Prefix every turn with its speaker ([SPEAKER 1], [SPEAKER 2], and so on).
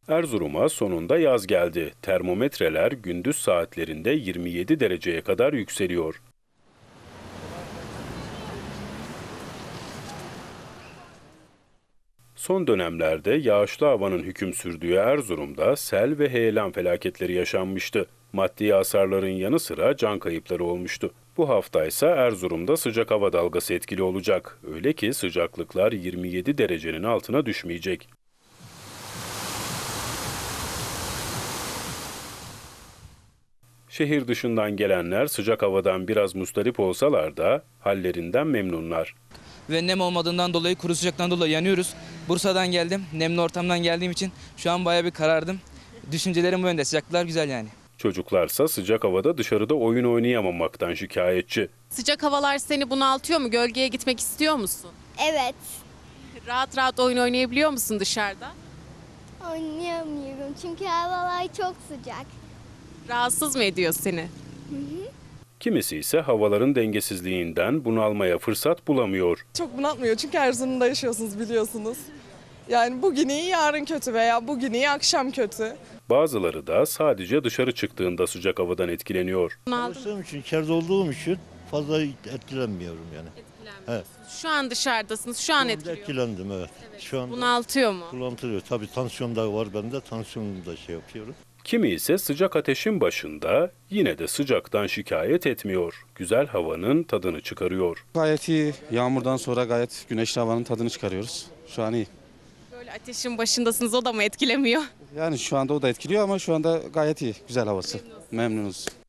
[SPEAKER 1] Erzurum'a sonunda yaz geldi. Termometreler gündüz saatlerinde 27 dereceye kadar yükseliyor. Son dönemlerde yağışlı havanın hüküm sürdüğü Erzurum'da sel ve heyelan felaketleri yaşanmıştı. Maddi hasarların yanı sıra can kayıpları olmuştu. Bu hafta ise Erzurum'da sıcak hava dalgası etkili olacak. Öyle ki sıcaklıklar 27 derecenin altına düşmeyecek. Şehir dışından gelenler sıcak havadan biraz mustarip olsalar da hallerinden memnunlar.
[SPEAKER 2] Ve nem olmadığından dolayı, kuru sıcaktan dolayı yanıyoruz. Bursa'dan geldim, nemli ortamdan geldiğim için şu an bayağı bir karardım. Düşüncelerim bu yönde, sıcaklıklar güzel yani.
[SPEAKER 1] Çocuklarsa sıcak havada dışarıda oyun oynayamamaktan şikayetçi.
[SPEAKER 3] Sıcak havalar seni bunaltıyor mu? Gölgeye gitmek istiyor musun?
[SPEAKER 4] Evet.
[SPEAKER 3] Rahat rahat oyun oynayabiliyor musun dışarıda?
[SPEAKER 4] Oynayamıyorum çünkü havalar çok sıcak.
[SPEAKER 3] Rahatsız mı ediyor seni?
[SPEAKER 1] Kimisi ise havaların dengesizliğinden bunalmaya fırsat bulamıyor.
[SPEAKER 5] Çok bunaltmıyor çünkü Erzurum'da yaşıyorsunuz biliyorsunuz. Yani bugün iyi yarın kötü veya bugün iyi akşam kötü.
[SPEAKER 1] Bazıları da sadece dışarı çıktığında sıcak havadan etkileniyor.
[SPEAKER 6] Çalıştığım için, içeride olduğum için fazla etkilenmiyorum yani. Evet.
[SPEAKER 3] Şu an dışarıdasınız, şu an etkiliyor.
[SPEAKER 6] Etkilendim evet. Şu anda
[SPEAKER 3] Bunaltıyor mu?
[SPEAKER 6] kullanılıyor. Tabii tansiyon da var bende. Tansiyonu da şey yapıyorum.
[SPEAKER 1] Kimi ise sıcak ateşin başında yine de sıcaktan şikayet etmiyor. Güzel havanın tadını çıkarıyor.
[SPEAKER 7] Gayet iyi. Yağmurdan sonra gayet güneşli havanın tadını çıkarıyoruz. Şu an iyi.
[SPEAKER 3] Böyle ateşin başındasınız, o da mı etkilemiyor?
[SPEAKER 7] Yani şu anda o da etkiliyor ama şu anda gayet iyi. Güzel havası. Memnunuz.